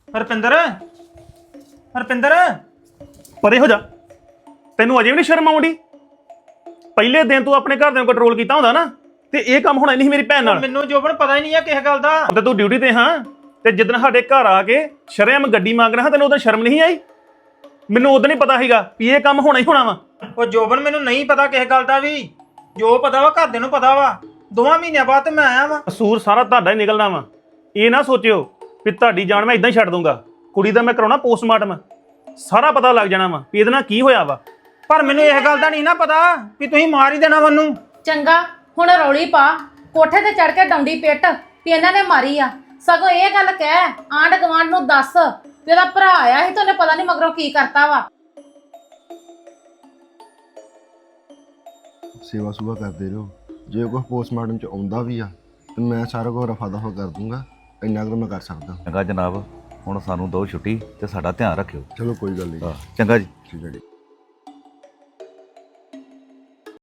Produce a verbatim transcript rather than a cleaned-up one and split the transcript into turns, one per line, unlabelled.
ਹਰਪਿੰਦਰ ਹਰਪਿੰਦਰ
ਪਰੇ ਹੋ ਜਾ। ਤੈਨੂੰ ਅਜੇ ਵੀ ਨਹੀਂ ਸ਼ਰਮ ਆਉਂਦੀ? ਪਹਿਲੇ ਦਿਨ ਤੂੰ ਆਪਣੇ ਘਰ ਦੇ ਨੂੰ ਕੰਟਰੋਲ ਕੀਤਾ ਹੁੰਦਾ ਨਾ ਤੇ ਇਹ ਕੰਮ ਹੋਣਾ ਨਹੀਂ ਮੇਰੀ ਭੈਣ ਨਾਲ।
ਮੈਨੂੰ ਜੋਬਨ ਪਤਾ ਹੀ ਨਹੀਂ ਆ ਕਿਸੇ ਗੱਲ ਦਾ।
ਤੇ ਤੂੰ ਡਿਊਟੀ ਤੇ ਹਾਂ ਤੇ ਜਿੱਦਣ ਸਾਡੇ ਘਰ ਆ ਕੇ ਸ਼ਰੇਆਮ ਗੱਡੀ ਮੰਗ ਰਿਹਾ ਤੈਨੂੰ ਉਦੋਂ ਸ਼ਰਮ ਨਹੀਂ ਆਈ? ਮੈਨੂੰ ਉਦੋਂ ਨਹੀਂ ਪਤਾ ਸੀਗਾ ਵੀ ਇਹ ਕੰਮ ਹੋਣਾ ਹੀ ਹੋਣਾ ਵਾ।
ਉਹ ਜੋਬਨ ਮੈਨੂੰ ਨਹੀਂ ਪਤਾ ਕਿਸੇ ਗੱਲ ਦਾ ਵੀ। ਜੋ ਪਤਾ ਵਾ ਘਰਦਿਆਂ ਨੂੰ ਪਤਾ ਵਾ। ਦੋਵਾਂ ਮਹੀਨਿਆਂ ਬਾਅਦ ਤੇ ਮੈਂ ਆਇਆ ਵਾ।
ਕਸੂਰ ਸਾਰਾ ਤੁਹਾਡਾ ਹੀ ਨਿਕਲਣਾ ਵਾ। ਇਹ ਨਾ ਸੋਚਿਓ ਵੀ ਤੁਹਾਡੀ ਜਾਨ ਮੈਂ ਇਦਾਂ ਹੀ ਛੱਡ ਦੂੰਗਾ। ਕੁੜੀ ਦਾ ਮੈਂ ਕਰਾਉਣਾ ਪੋਸਟਮਾਰਟਮ, ਸਾਰਾ ਪਤਾ ਲੱਗ ਜਾਣਾ ਵਾ ਵੀ ਇਹਦੇ ਨਾਲ ਕੀ ਹੋਇਆ ਵਾ।
ਪਰ ਮੈਨੂੰ ਇਹ ਗੱਲ ਦਾ ਨਹੀਂ ਨਾ ਪਤਾ ਵੀ ਤੁਸੀਂ ਮਾਰ ਹੀ ਦੇਣਾ ਮੈਨੂੰ।
ਚੰਗਾ ਹੁਣ ਰੌਲੀ ਪਾ, ਕੋਠੇ ਤੇ ਚੜ ਕੇ ਡੌਂਡੀ ਪਿੱਟ ਵੀ ਇਹਨਾਂ ਨੇ ਮਾਰੀ ਆ। ਸਗੋਂ ਇਹ ਗੱਲ ਕਹਿ ਆਂਢ ਗੁਆਂਢ ਨੂੰ ਦੱਸ ਵੀ ਉਹਦਾ ਭਰਾ ਆਇਆ ਸੀ ਤੇ ਉਹਨੇ ਪਤਾ ਨਹੀਂ ਮਗਰੋਂ ਕੀ ਕਰਤਾ ਵਾ।
ਸੇਵਾ ਸੁਭਾ ਕਰਦੇ ਰਹੋ। ਜੇ ਕੋਈ ਪੋਸਟਮਾਰਟਮ ਚ ਆਉਂਦਾ ਵੀ ਆ ਤੇ ਮੈਂ ਸਾਰਾ ਕੁਝ ਰਫਾ ਦਫਾ ਕਰ ਦੂੰਗਾ। ਇੰਨਾ ਕੁ ਮੈਂ ਕਰ ਸਕਦਾ।
ਚੰਗਾ ਜਨਾਬ, ਹੁਣ ਸਾਨੂੰ ਦੋ ਛੁੱਟੀ ਤੇ ਸਾਡਾ ਧਿਆਨ ਰੱਖਿਓ।
ਚਲੋ ਕੋਈ ਗੱਲ ਨਹੀਂ।
ਚੰਗਾ ਜੀ।
ਠੀਕ ਹੈ ਜੀ।